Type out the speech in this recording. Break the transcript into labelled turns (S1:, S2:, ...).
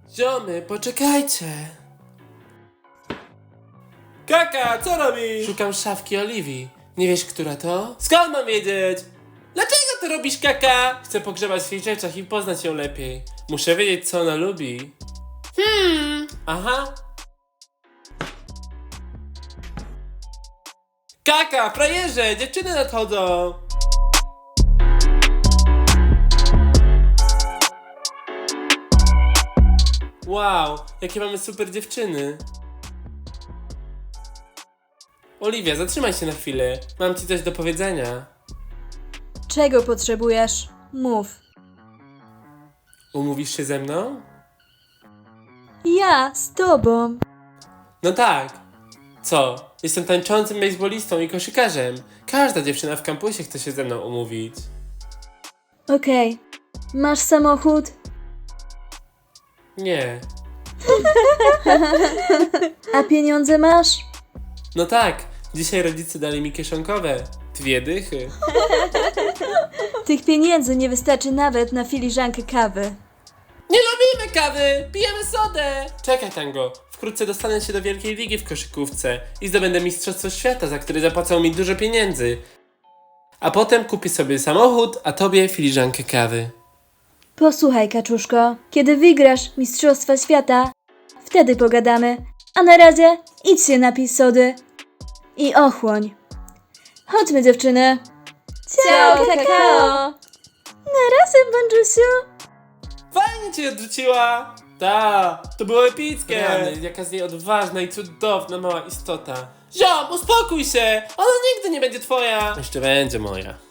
S1: Ziomy, poczekajcie. Kaka, co robisz? Szukam szafki Oliwii. Nie wiesz, która to? Skąd mam wiedzieć? Dlaczego to robisz, Kaka? Chcę pogrzebać w jej rzeczach i poznać ją lepiej. Muszę wiedzieć, co ona lubi. Aha. Kaka, frajerze, dziewczyny nadchodzą. Wow, jakie mamy super dziewczyny. Oliwia, zatrzymaj się na chwilę. Mam ci coś do powiedzenia.
S2: Czego potrzebujesz? Mów.
S1: Umówisz się ze mną?
S2: Ja z tobą.
S1: No tak. Co? Jestem tańczącym bejsbolistą i koszykarzem. Każda dziewczyna w kampusie chce się ze mną umówić.
S2: Okej. Masz samochód?
S1: Nie.
S2: A pieniądze masz?
S1: No tak. Dzisiaj rodzice dali mi kieszonkowe. 2 dychy.
S2: Tych pieniędzy nie wystarczy nawet na filiżankę kawy.
S1: Nie lubimy kawy! Pijemy sodę! Czekaj, Tango. Wkrótce dostanę się do wielkiej ligi w koszykówce i zdobędę mistrzostwo świata, za które zapłacą mi dużo pieniędzy. A potem kupię sobie samochód, a tobie filiżankę kawy.
S2: Posłuchaj, kaczuszko. Kiedy wygrasz Mistrzostwa Świata, wtedy pogadamy. A na razie idź się napij sody. I ochłoń. Chodźmy, dziewczyny. Ciao, kakao. Na razie, Bądżusiu.
S1: Fajnie cię odrzuciła! Ta, to było epickie! Rany, jaka z niej odważna i cudowna mała istota. Ziom, uspokój się! Ona nigdy nie będzie twoja! Jeszcze będzie moja.